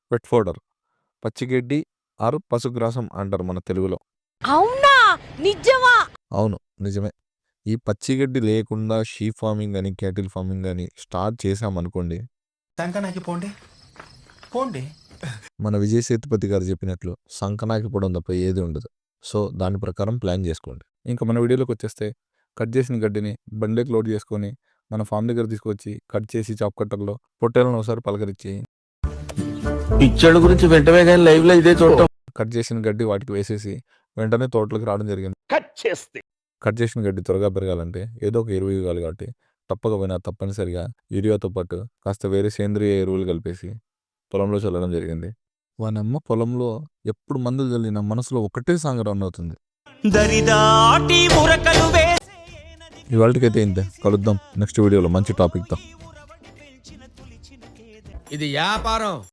Wet fodder, పచ్చిగడ్డి are పశుగ్రాసం అంటారు మన తెలుగులో. అవునా నిజమా? అవును, నిజమే. ఈ పచ్చిగడ్డి లేకుండా షీప్ ఫార్మింగ్ అని, క్యాటిల్ ఫార్మింగ్ అని స్టార్ట్ చేసామనుకోండి, సంకనాకి పోండి పోండి. మన విజయ్ సేతుపతి గారు చెప్పినట్లు సంకనాకి పొడం తప్ప ఏది ఉండదు. సో దాని ప్రకారం ప్లాన్ చేసుకోండి. ఇంకా మన వీడియోలోకి వచ్చేస్తే, కట్ చేసిన గడ్డిని బండిలోకి లోడ్ చేసుకొని మన ఫామ్ దగ్గర తీసుకొచ్చి కట్ చేసి చాప్ కట్టర్లో పొట్టేలను ఒకసారి పలకరించి పిచ్చోళ్ళ గురించి వెంటనే కానీ లైవ్ లో ఇదే చూడటం. కట్ చేసిన గడ్డి వాటికి వేసేసి వెంటనే తోటలోకి రావడం జరిగింది. కట్ చేసిన గడ్డి త్వరగా పెరగాలంటే ఏదో ఒక ఎరువు ఇవ్వాలి కాబట్టి తప్పకపోయినా తప్పనిసరిగా యూరియాతో పాటు కాస్త వేరే సేంద్రియ ఎరువులు కలిపేసి పొలంలో చల్లడం జరిగింది. వానమ్మ పొలంలో ఎప్పుడు మందులు చల్లిన మనసులో ఒకటే సాంగ్ రన్ అవుతుంది. ఇవాళకైతే ఇంతే, కలుద్దాం నెక్స్ట్ వీడియోలో మంచి టాపిక్తో. ఇది వ్యాపారం.